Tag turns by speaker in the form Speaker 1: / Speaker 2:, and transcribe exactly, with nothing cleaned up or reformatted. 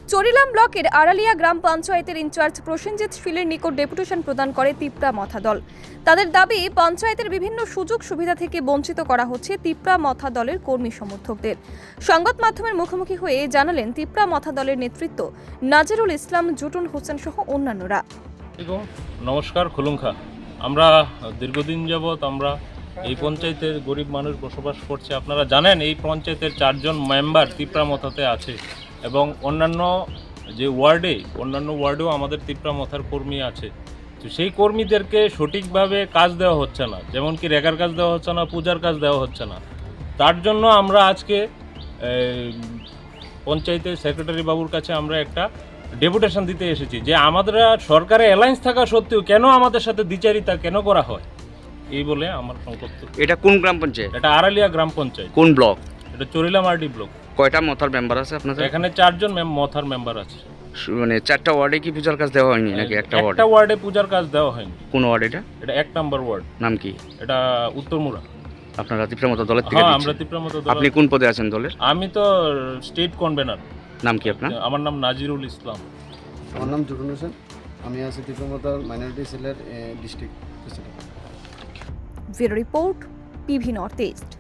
Speaker 1: চরিলাম ব্লকের আড়ালিয়া গ্রাম পঞ্চায়েতের ইনচার্জ প্রসেনজিৎ শীলের নিকট ডেপুটেশন প্রদান করে তিপ্রা মথা দল। তাদের দাবি, পঞ্চায়েতের বিভিন্ন সুযোগ সুবিধা থেকে বঞ্চিত করা হচ্ছে তিপ্রা মথা দলের কর্মী সমর্থকদের। সংবাদ মাধ্যমের মুখোমুখি হয়ে জানালেন তিপ্রা মথা দলের নেতৃত্ব নাজিরুল ইসলাম, জুটুন হোসেন সহ অন্যান্যরা।
Speaker 2: নমস্কার, খুলুঙ্খা। আমরা দীর্ঘদিন যাবৎ আমরা এই পঞ্চায়েতের গরিব মানুষ বসবাস করছে। আপনারা জানেন এই পঞ্চায়েতের চারজন মেম্বার তিপ্রা মথাতে আছে এবং অন্যান্য যে ওয়ার্ডে অন্যান্য ওয়ার্ডেও আমাদের তিপ্রা মথার কর্মী আছে। তো সেই কর্মীদেরকে সঠিকভাবে কাজ দেওয়া হচ্ছে না, যেমন কি রেখার কাজ দেওয়া হচ্ছে না, পূজার কাজ দেওয়া হচ্ছে না। তার জন্য আমরা আজকে পঞ্চায়েতের সেক্রেটারি বাবুর কাছে আমরা একটা ডেপুটেশন দিতে এসেছি যে আমাদের সরকারে অ্যালায়েন্স থাকা সত্ত্বেও কেন আমাদের সাথে দ্বিচারিতা কেন করা হয়, এই বলে আমার সংকট।
Speaker 3: এটা কোন গ্রাম পঞ্চায়েত?
Speaker 2: এটা আড়ালিয়া গ্রাম পঞ্চায়েত।
Speaker 3: কোন ব্লক?
Speaker 2: এটা চরিলামার্ডি ব্লক।
Speaker 3: কয়টা মথার মেম্বার আছে আপনাদের?
Speaker 2: এখানে চারজন মথার মেম্বার আছে।
Speaker 3: মানে চারটা ওয়ার্ডে কি পূজার কাজ দেওয়া হয়নি নাকি একটা ওয়ার্ডে?
Speaker 2: একটা ওয়ার্ডে পূজার কাজ দেওয়া হয়নি।
Speaker 3: কোন ওয়ার্ড এটা?
Speaker 2: এটা এক নম্বর ওয়ার্ড।
Speaker 3: নাম কি?
Speaker 2: এটা উত্তরমুড়া।
Speaker 3: আপনারা তিপ্রা মথা দলের থেকে?
Speaker 2: হ্যাঁ, আমরা তিপ্রা মথা দল।
Speaker 3: আপনি কোন পদে আছেন দলের?
Speaker 2: আমি তো স্টেট কনভেনার।
Speaker 3: নাম কি আপনার?
Speaker 2: আমার নাম নাজিরুল ইসলাম।
Speaker 4: আমার নাম জুটুন হোসেন। আমি আছি তিপ্রা মথা মাইনরিটি সেলের district president.
Speaker 1: Bureau report, PV north east.